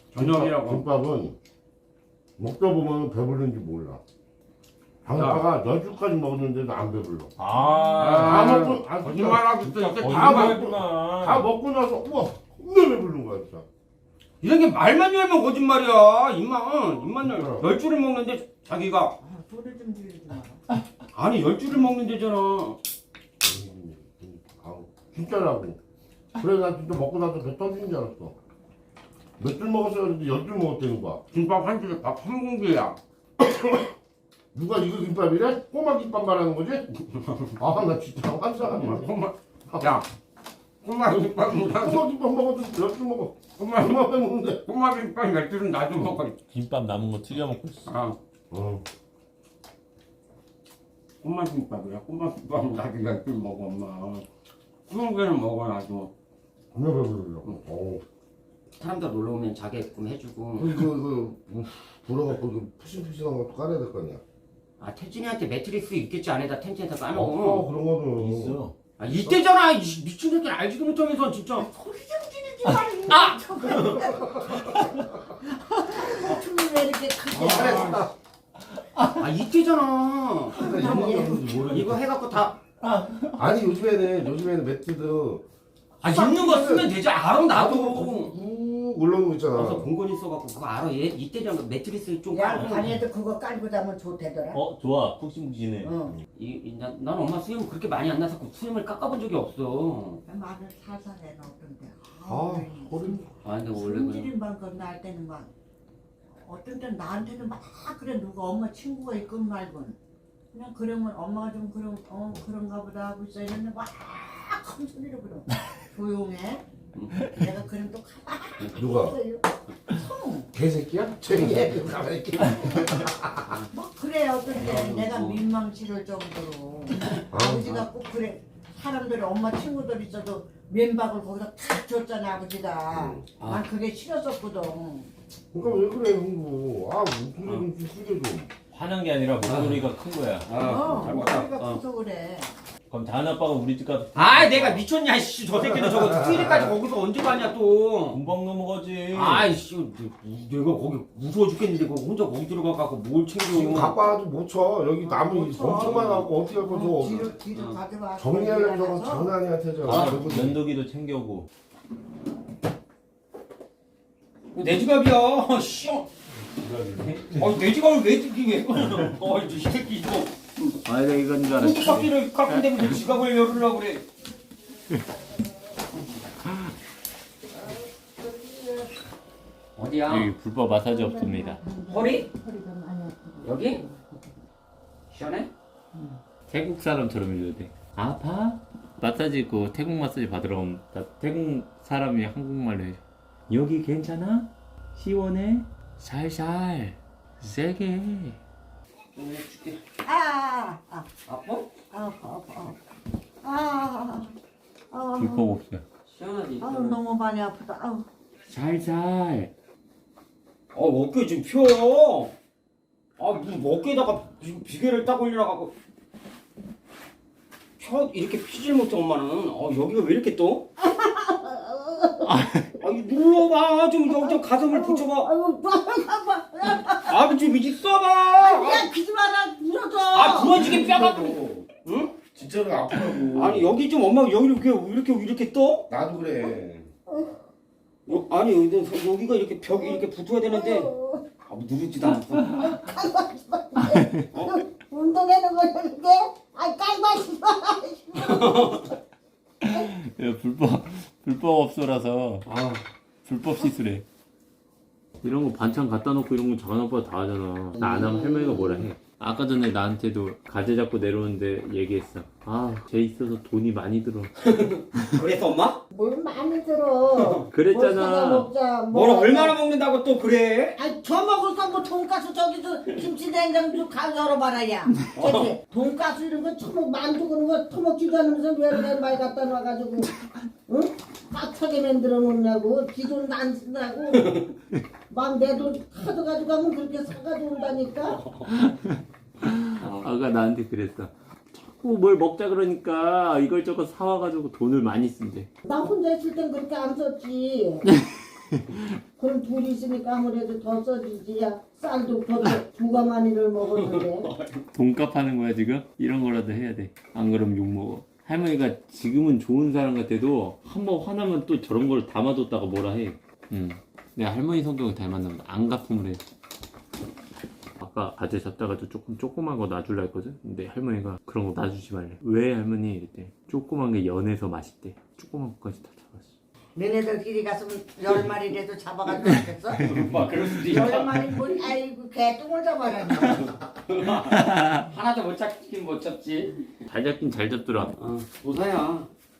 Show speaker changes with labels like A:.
A: 저녁이라고.
B: 김밥은 먹다 보면 배부른지 몰라. 방파가 10줄까지 먹었는데도 안 배불러. 다 먹고
A: 거짓말하고 있어. 이제
B: 다 먹고 나서 우와 겁나 배부른 거야 진짜.
A: 이런 게 말만 열면 거짓말이야. 입만 열. 10줄을 먹는데 자기가
C: 소리 좀 지르지 마.
A: 아니 10줄을 먹는데잖아.
B: 아우, 진짜라고. 그래 나 진짜 먹고 나서 배 터지는 줄 알았어. 몇 줄 먹었어야 했는데 10줄 먹었다는 거야.
A: 김밥 한 줄에 밥 한 공기야.
B: 누가 이거 김밥이래? 꼬마 김밥 말하는 거지? 아 나 진짜 환상하네.
A: 야, 꼬마 김밥보다
B: 꼬마 김밥 먹어도 10줄 먹어.
A: 꼬마
B: 얼마 먹는데?
A: 꼬마 김밥 10줄은 나도 먹어.
D: 김밥 남은 거 튀겨 먹고 있어.
A: 아, 꼬마 김밥이야. 꼬마 김밥은 나도 10줄 먹어 엄마. 20개는 먹어 나도.
B: 겁나 배부르더라고.
A: 사람들 놀러 오면 자게끔 해주고.
B: 불어갖고 푸신푸신한 것도 깔아야 될 거 아니야?
A: 아 태진이한테 매트리스 있겠지 안에다 텐트에다
B: 없어
A: 까놓고.
B: 그런 거는.
D: 있어.
A: 아 이때잖아. 이 미친 새끼는 알지도 못하면서 진짜.
C: 소리 좀 지르지 마.
A: 아!
C: 춤이 왜 이렇게 크게?
A: 아 이때잖아.
B: 모르겠어.
A: 이거 해갖고 다.
B: 아니 요즘에는 매트도
A: 아 있는 거 쓰면 되지. 알아 나도.
B: 꾹 올라오는 거 있잖아.
A: 그래서 공건이 써갖고 그거 알아. 얘 이때잖아. 매트리스 좀
C: 야,
A: 깔고.
C: 반에도 그거 깔고 자면 좋대더라.
D: 좋아. 푹신푹신해.
C: 응.
A: 난 엄마 수염 그렇게 많이 안 나서 수염을 깎아본 적이 없어.
C: 말을 살살 해놓던데.
B: 소리.
A: 아 근데 원래 그래.
C: 성질인만 건날 때는 막 어떤 때는 나한테는 막 그래 누가 엄마 친구가 있건 말건 그냥 그러면 엄마가 좀 그런가 보다 하고 있어 이랬는데 막 큰 소리로 그러 조용해. 내가 그럼 또 가만히
B: 누가?
C: 성.
B: 개새끼야? 쟤얘 가만히 있게.
C: 막 그래 어떤 때 내가 민망치를 정도로 아버지가 꼭 그래. 사람들이 엄마 친구들 있어도 면박을 거기다 탁 줬잖아 아버지가. 난 그게 싫었었거든.
B: 그러니까 왜 그래 형부. 목소리 좀 크게 좀.
D: 화난 게 아니라 목소리가 큰 거야.
A: 잘 먹다.
C: 목소리가 커서 그래.
D: 그럼 다은 아빠가 우리 집 가서
A: 아 내가 미쳤냐 씨. 저 새끼는 저거 수일이까지 거기서 언제 가냐 또.
D: 금방 넘어가지.
A: 아이씨 내가 거기 무서워 죽겠는데 그거 혼자 거기 들어가갖고 뭘
B: 지금
A: 챙겨.
B: 갖고 와도 못 쳐. 여기 나무
C: 못 쳐.
B: 엄청 많아갖고 어떻게 할 거죠?
C: 뒤로 가져와.
B: 정리하려면 저거 장난 아니야 태자.
D: 면도기도 챙겨오고.
A: 내 지갑이야. 씨. 내 지갑을 왜 뜯기게? 이 새끼 이거.
D: 아 내가 이건 줄 알았어.
A: 바퀴를 깎은 데왜 지갑을 열으려고 그래. 어디야?
D: 여기 불법 마사지 없습니다.
A: 허리? 여기? 시원해?
D: 태국 사람처럼 해줘야 돼. 아파? 마사지 그 태국 마사지 받으러 오면 나 태국 사람이 한국말로 해줘. 여기 괜찮아? 시원해? 살살 세게 해.
A: 줄게.
C: 아파.
D: 불법 없어요.
A: 시원하지?
C: 너무 많이 아프다.
D: 살살.
A: 어깨 좀 펴. 무슨 어깨에다가 비계를 딱 올려놔갖고 이렇게 피질 못해 엄마는. 여기가 왜 이렇게 떠? 눌러봐 좀 가슴을 붙여봐. 좀 이제 써봐.
C: 야, 비지 마라. 부러져.
A: 부러지게 뼈가지고. 응?
B: 진짜로 아프다고.
A: 아니 여기 좀 엄마 여기 이렇게 떠?
B: 나도 그래.
A: 아니 여기가 이렇게 벽이 이렇게 붙어야 되는데 누르지도 않고.
C: 운동하는 거였는데, 깔맞지
D: 불법 업소라서 불법 시술해. 이런 거 반찬 갖다 놓고 이런 거 작은 오빠가 다 하잖아. 나 안 하면 할머니가 뭐라 해. 아까 전에 나한테도 가재 잡고 내려오는데 얘기했어. 쟤 있어서 돈이 많이 들어.
A: 그래서 엄마?
C: 뭘 많이 들어.
D: 그랬잖아.
C: 먹자.
A: 뭘 얼마나 먹는다고 또 그래?
C: 저 먹을까 뭐 돈가스 저기도 김치 냉장고 가 열어봐라 야. 돈가스 이런 거 처먹 만두 그런 거 처먹지도 않으면서 왜 많이 갖다 놔가지고 응? 빡하게 만들어 놓냐고. 지돈 안 쓴다고. 막 내 돈 카드 가지고 가면 그렇게 사가지고 온다니까.
D: 아가 나한테 그랬어. 자꾸 뭘 먹자 그러니까 이걸 저걸 사와가지고 돈을 많이 쓴대.
C: 나 혼자 있을 땐 그렇게 안 썼지. 그럼 둘이 있으니까 아무래도 더 써지지. 야 쌀도 더 두가 많이를 먹었는데.
D: 돈값 하는 거야 지금? 이런 거라도 해야 돼. 안 그러면 욕 먹어. 할머니가 지금은 좋은 사람 같아도 한번 화나면 또 저런 걸 담아뒀다가 뭐라 해. 내가 할머니 성격을 닮았나 보다. 안 갚음을 해. 아까 가재 잡다가도 조그만 거 놔줄라 했거든? 근데 할머니가 그런 거 놔주지 말래. 왜 할머니? 이랬대. 조그만 게 연해서 맛있대. 조그만 것까지 다 잡았어.
C: 너네들끼리 갔으면 10마리라도 잡아가지고 왔겠어?
A: 막 그럴 수도 있다.
C: 10마리 뭘 아이고 개똥을 잡아라.
A: 하나도 못 잡긴 못 잡지.
D: 잘 잡긴 잘 잡더라.
A: 도사야.